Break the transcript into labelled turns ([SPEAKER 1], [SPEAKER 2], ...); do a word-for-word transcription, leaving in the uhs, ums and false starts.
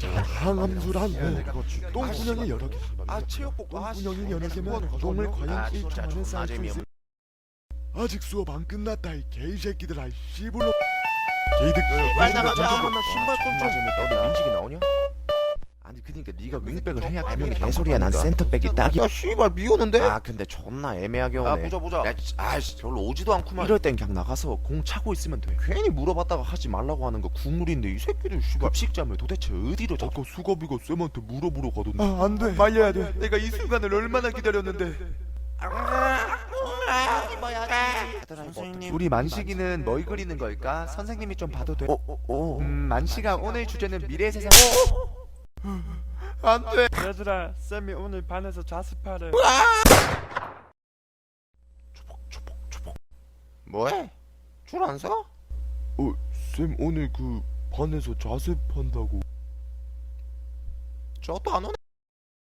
[SPEAKER 1] 항암술한
[SPEAKER 2] 내가
[SPEAKER 1] 똥구녕이 여러 개.
[SPEAKER 2] 아 체육복
[SPEAKER 1] 똥구녕이 여러 개면 똥을 과연 일 초 만에 쌀 수 있을. 아직 수업 안 끝났다 이 개새끼들아. 씨불로 개이득.
[SPEAKER 2] 빨리 나가. 잠깐만 나 신발 좀 좀.
[SPEAKER 3] 너도 민식이 나오냐? 아니 그니까 네가 윙백을 해야 되는 개소리야. 난 센터백이 딱이야.
[SPEAKER 2] 야 씨발 미오는데?
[SPEAKER 3] 아 근데 존나 애매하게
[SPEAKER 2] 야
[SPEAKER 3] 오네.
[SPEAKER 2] 보자 보자.
[SPEAKER 3] 야, 아이씨 별로 오지도 않구만. 이럴 땐 그냥 나가서 공 차고 있으면 돼. 괜히 물어봤다가 하지 말라고 하는 거 국룰인데 이 새끼들 씨발 급식잠을 도대체 어디로 잡아?
[SPEAKER 1] 아까 수갑이가 쌤한테 물어보러 가던데. 아 안돼. 말려야 돼. 내가 이 순간을 얼마나 기다렸는데.
[SPEAKER 3] 선생님 우리 만식이는 뭘 그리는 걸까? 선생님이 좀 봐도 돼? 어, 어, 어. 음 만식아 오늘 주제는 미래 세상.
[SPEAKER 1] 안돼.
[SPEAKER 4] 얘들아, 쌤이 오늘 반에서 자습하래.
[SPEAKER 2] 뭐해? 줄 안 서?
[SPEAKER 1] 어, 쌤 오늘 그 반에서 자습한다고.
[SPEAKER 2] 저도 안 오네.